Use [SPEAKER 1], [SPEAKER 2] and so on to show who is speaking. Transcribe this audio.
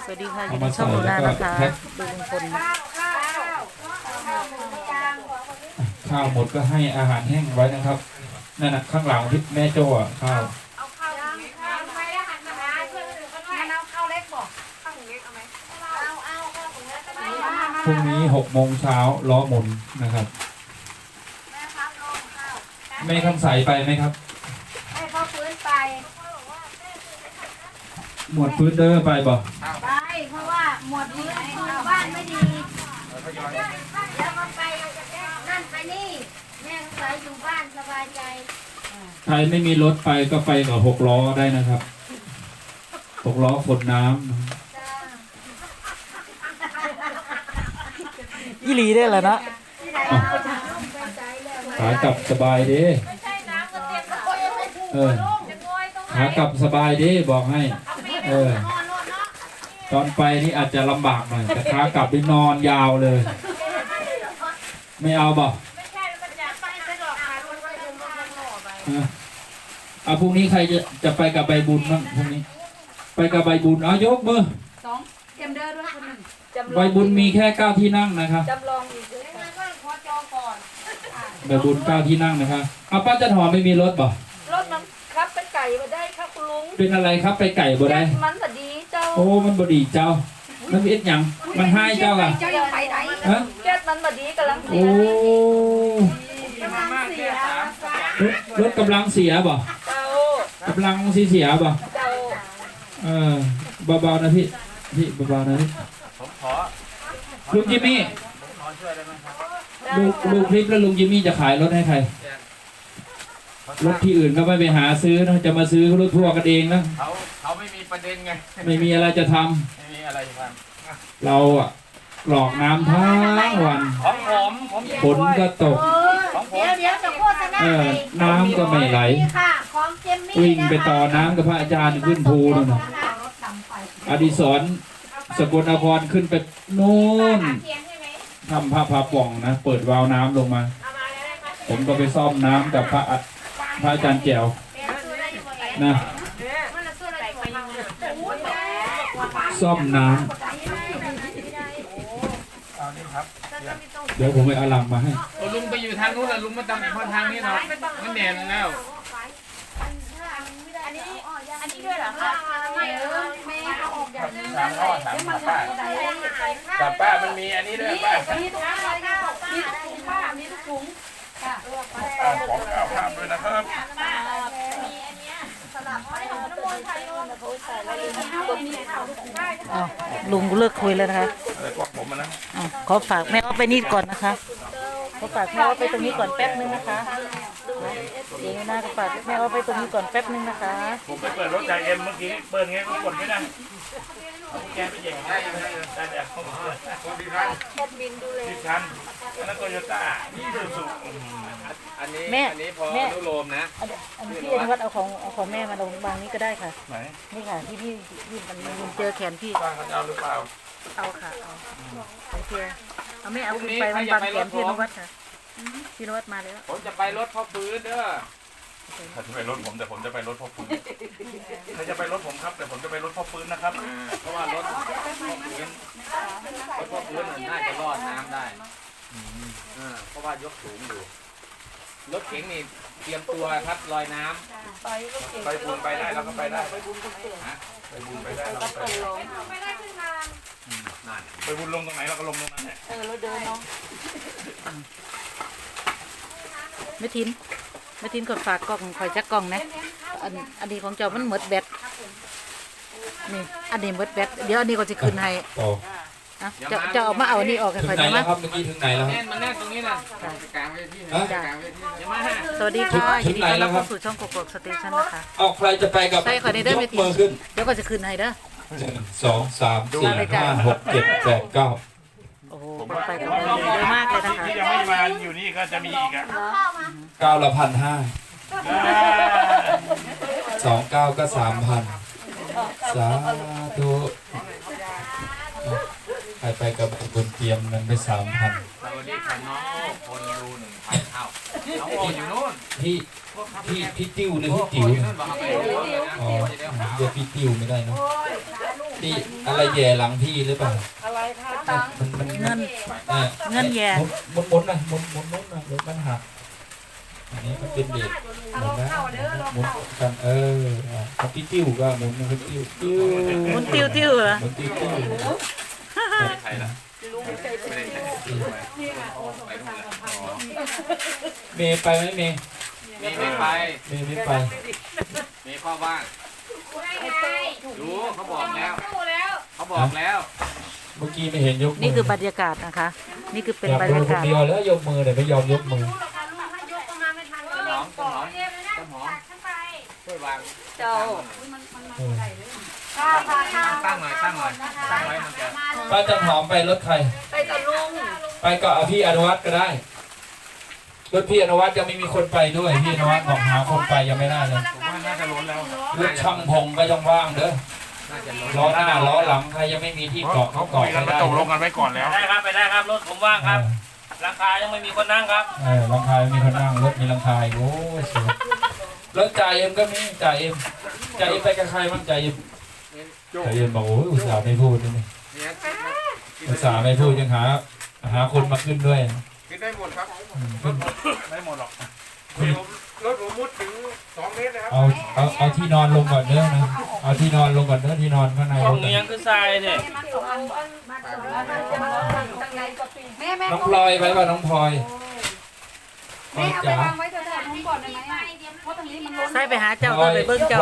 [SPEAKER 1] สวัสดีค่ะอยู่ในช่องหนูนานะคะดูลุงพล
[SPEAKER 2] ข้าวหมดก็ให้อาหารแห้งไว้นะครับนั่นนะข้างหลังที่แม่โจ้อะข้าวพรุ่งนี้6 โมงเช้าล้อหมุนนะครับแม่คำใสไปไหมครับ
[SPEAKER 3] ให้พ่อฟื้นไป
[SPEAKER 2] หมวดพื้นเด้อไปบ่
[SPEAKER 3] ไปเพราะว่าหมดฟื้นบ้านไม่ดีแล้วก็ไปนั่นไปนี่แม่ก็ไปอยู่บ้านสบายใจ
[SPEAKER 2] ใครไม่มีรถไปก็ไปกับ6 ล้อได้นะครับ6 ล้อขนน้ำ
[SPEAKER 1] อีหลีได้แล้วนะ
[SPEAKER 2] ขากลับสบายดีขากลับสบายดีบอกให้ตอนไปนี่อาจจะลำบากหน่อยแต่ขากลับไปนอนยาวเลยไม่เอาบ่พรุ่งนี้ใครจะไปกับใบบุญบ้างพรุ่งนี้ไปกับใบบุญเอายกมือ
[SPEAKER 3] เตรียมเดินด้วยคนหนึ่ง
[SPEAKER 2] ใบบุญมีแค่9 ที่นั่งนะครับ
[SPEAKER 3] จำลองอีกเลยงั้นก็ขอจองก่อน
[SPEAKER 2] ใบบุญ9 ที่นั่งนะครับป้าจันหอมไม่มีรถบ่
[SPEAKER 3] รถมันครับไปไก่มาได้ครับคุณลุง
[SPEAKER 2] เป็นอะไรครับไปไก่บ่ได้
[SPEAKER 3] มันบดีเจ้า
[SPEAKER 2] โอ้มันบดีเจ้ามันเอ็ดหยังมันให้เจ้าอ่ะ
[SPEAKER 3] เจ้ายังไปไหนเจ็ดมันบดีกำลังเสีย
[SPEAKER 2] โอ้รถกำลังเสียบ่กำลังเสียบ่เบาๆนะพี่เบาๆนะพี่
[SPEAKER 4] ผมขอ
[SPEAKER 2] ลุงจิมมี่
[SPEAKER 4] ขอช่วยได้ไหมครับ
[SPEAKER 2] ดูคลิปแล้วลุงจิมมี่จะขายรถให้ใครรถที่อื่นก็ไม่ไปหาซื้อนะจะมาซื้อรถทัวร์กันเองนะ
[SPEAKER 4] เขาไม่มีประเด็นไง
[SPEAKER 2] ไม่มีอะไรจะทำ
[SPEAKER 4] ไม่มีอะไรจะท
[SPEAKER 2] ำเราอะกรอกน้ำทั้งวัน
[SPEAKER 4] ของผม
[SPEAKER 2] ฝนก็ตก
[SPEAKER 3] เดี๋ยวจะโฆษณา
[SPEAKER 2] น้ำก็ไม่ไหลวิ่งไปต่อน้ำกับพระอาจารย์ขึ้นภูนั่นนะอดิศรสกลนครขึ้นไปโน่นทำพระป่องนะเปิดวาล์วน้ำลงมาผมก็ไปซ่อมน้ำกับพระอาจารย์แจ๋วนะซ่อมน้ำเดี๋ยวผมไปเอาลังมาให้
[SPEAKER 4] ลุงไปอยู่ทางนู้นแล้วลุงมาทำทางนี้เนาะมันแน่นแล้ว
[SPEAKER 3] อันนี้ด้วยเหรอคะแม่เอาออกอย่างนี้
[SPEAKER 4] ถามพ่อถามป้าแต่ป้ามันมีอันนี้ด้วยป้า
[SPEAKER 3] มีถุงอะไรนะมีถุงป้ามีถุงค่ะ
[SPEAKER 4] ป้าของเอาข้ามด้วยนะครับ
[SPEAKER 3] มีอันนี้สลับไปน้ำมันไทยโน่นเขาใส่แล้ว
[SPEAKER 1] ลุงเลิกคุยแล้วนะคะ
[SPEAKER 4] พวกผมนะ
[SPEAKER 1] ขอฝากแม่เอาไปนี่ก่อนนะคะขอฝากแม่เอาไปตรงนี้ก่อนแป๊บนึงนะคะเดี๋ยวหน้าก็ฝากแม่เอาไปตรงนี้ก่อนแป๊บนึงนะคะ
[SPEAKER 4] ผมไปเปิดรถใจเอ็มเมื่อกี้เปิดไงก็กดไม่ได้แกไปเย่งได้เดี๋ยวคนดีคันดีคันแล้วโตโยต้านี่ดูสุอันนี้พอนุโลมนะ
[SPEAKER 1] อันนี้พี่อนุวัฒน์เอาของแม่มาลงบางนี้ก็ได้ค่ะ
[SPEAKER 4] ไหน
[SPEAKER 1] นี่ค่ะที่พี่มันเจอแขนพี่
[SPEAKER 4] ป้าเขาจะเอาหรือเปล่า
[SPEAKER 1] เอาค่ะเอาเพียเอาแม่เอาขึ้นไปมันบางแขนพี่อนุวัฒน์ค่ะพี่อนุวัฒน์มาแล้ว
[SPEAKER 4] ผมจะไปรถพ่อฟื้นเด้อถ้าจะไปรถผมแต่ผมจะไปรถพ่อฟื้นถ้าจะไปรถผมครับแต่ผมจะไปรถพ่อฟื้นนะครับเพราะว่ารถพ่อฟื้นน่าจะรอดน้ำได้เพราะว่ายกสูงอยู่รถเก๋งนี่เตรียมตัวครับลอยน้ำไปบุญไปได้แล้วก็ไปได้ไปบุญไปได้แล้วก็ไปได้ขึ้นทางไปบุญลงตรงไหนเราก็ลงตรงนั้นแหละ
[SPEAKER 3] เราเดินเนาะ
[SPEAKER 1] ไม่ทิ้งกดฝากกล่องคอยจักกล่องนะอันนี้ของเจ้ามันหมดแบตนี่อันนี้หมดแบตเดี๋ยวอันนี้ก็จะคืนให้จะเอามาเอาอันนี้ออกกัน
[SPEAKER 2] ไปไหนแล้วครับเมื่อกี้ถึงไหนแล้ว
[SPEAKER 4] มันแน่ตรงนี้นะกลางเวที
[SPEAKER 1] สวัสดีค่ะยินดีต้อนรับเข้าสู่ช่องกบสเตชันนะคะ
[SPEAKER 2] เอาใครจะไปกับ
[SPEAKER 1] ใช่ค่ะในเด้อไม่ทิ้งเดี๋ยวก็จะคืนให้เด้อ
[SPEAKER 2] 1 2 3 4 5 6 7 8 9
[SPEAKER 1] โอ้โหไปกันเยอะมากเลยนะคะ
[SPEAKER 4] ที่ยังไม่มาอยู่นี่ก็จะมีอีกอ่ะ
[SPEAKER 2] 9 ละ 1,500 29 ก็ 3,000 สาธุใครไปกับบุญเตรียมเงินไป 3,000
[SPEAKER 4] สวัสดีค่ะน้องคนดู 1,000 เท่าน้องโออยู่นู่น
[SPEAKER 2] พี่ติ้วหรือพี่ติ๋วอ๋อเรียกพี่ติ้วไม่ได้เนาะที่อะไรแย่หลังพี่หรือเปล่า
[SPEAKER 5] อะไรคะ
[SPEAKER 2] มัน
[SPEAKER 1] เงิน
[SPEAKER 2] อ่ะ
[SPEAKER 1] เงินแย่
[SPEAKER 2] หมุนนะหมุนนะเดี๋ยวมันหักอันนี้มันเป็นเด็กหมุนนะหมุนกันมันติ้วก็หมุนมันติ้ว
[SPEAKER 1] หมุนติ้วติ้วเหรอ
[SPEAKER 2] หมุนติ้ว
[SPEAKER 4] ไม่ได้ใช้ละไม่ได้ใช้ไปนู่นละอ๋อ
[SPEAKER 2] เมย์ไปไหมเมย์
[SPEAKER 4] มีไม่ไป
[SPEAKER 2] เมย์ไม่ไป
[SPEAKER 4] มีข้อบ้าง
[SPEAKER 3] ไม่ไง
[SPEAKER 4] รู้เขาบอกแล้ว
[SPEAKER 3] สู้แล้ว
[SPEAKER 4] เขาบอกแล้ว
[SPEAKER 2] เมื่อกี้ไม่เห็นยกมื
[SPEAKER 1] นี่คือบรรยากาศนะคะ นี่คือเป็น
[SPEAKER 2] อยาก
[SPEAKER 1] บรร
[SPEAKER 2] ดู
[SPEAKER 1] ยา
[SPEAKER 2] คน
[SPEAKER 1] กาศ
[SPEAKER 2] เดียวแล้วยกมือแต่ไม่ยอมยกมือ
[SPEAKER 3] รู้หรอกค่ะลุงถ้ายกก็มาไม่ทัน
[SPEAKER 4] ต้นหอมต้นหอมต้นหอม
[SPEAKER 3] ขึ้นไป
[SPEAKER 4] ช่วยวาง
[SPEAKER 5] เจ้า
[SPEAKER 3] ค่ะค่ะค่ะ
[SPEAKER 4] ตั้งหน่อยตั้งไว้มันจะ
[SPEAKER 2] ป้าจันหอมไปรถใคร
[SPEAKER 5] ไปกับลุง
[SPEAKER 2] ไปก็เอาพี่อนุวัฒน์ก็ได้รถพี่อนุวัฒน์ยังไม่มีคนไปด้วยพี่อนุวัฒน์บอกหาคนไปยังไม่ได้เลย
[SPEAKER 4] ผมว่าน่าจะล้นแล้ว
[SPEAKER 2] รถช่างพงก็ยังว่างเด้อ
[SPEAKER 4] น่าจะล้น
[SPEAKER 2] ล้อหน้าล้อหลังใครยังไม่มีที่เกาะเขาเกาะไม่ได้
[SPEAKER 4] ตกลงกันไว้ก่อนแล้ว
[SPEAKER 6] ได้ครับไปได้ครับรถผมว่างครับราคายังไม่มีคนนั่งครับ
[SPEAKER 2] หลังคามีคนนั่งรถมีหลังคาโอ้ยสวยรถจ่าเอ็มก็มีจ่าเอ็มไปกับใครบ้างจ่าเอ็มบอกโอ้ยอุตส่าห์ไม่พูดนี่อุตส่าห์ไม่พูดยังหาคนมาขึ้นด้วย
[SPEAKER 4] คิดได้หมดครับ
[SPEAKER 2] ขึ้น
[SPEAKER 4] ไม่หมดหรอกรถผมมุดถึง2 เมตรนะครับ
[SPEAKER 2] เอาที่นอนลงก่อนเด้อนะเอาที่นอนลงก่อนเด้อที่นอนข้างใน
[SPEAKER 6] ห้
[SPEAKER 2] ร
[SPEAKER 6] อง
[SPEAKER 2] ถ
[SPEAKER 6] นี้ยังคือทรายเนี่ย
[SPEAKER 2] น้องพลอยไปป่ะน้องพลอยพลอยจ๋า
[SPEAKER 1] ใส่ไปหาเจ้าก็ไปเบิ่งเจ้า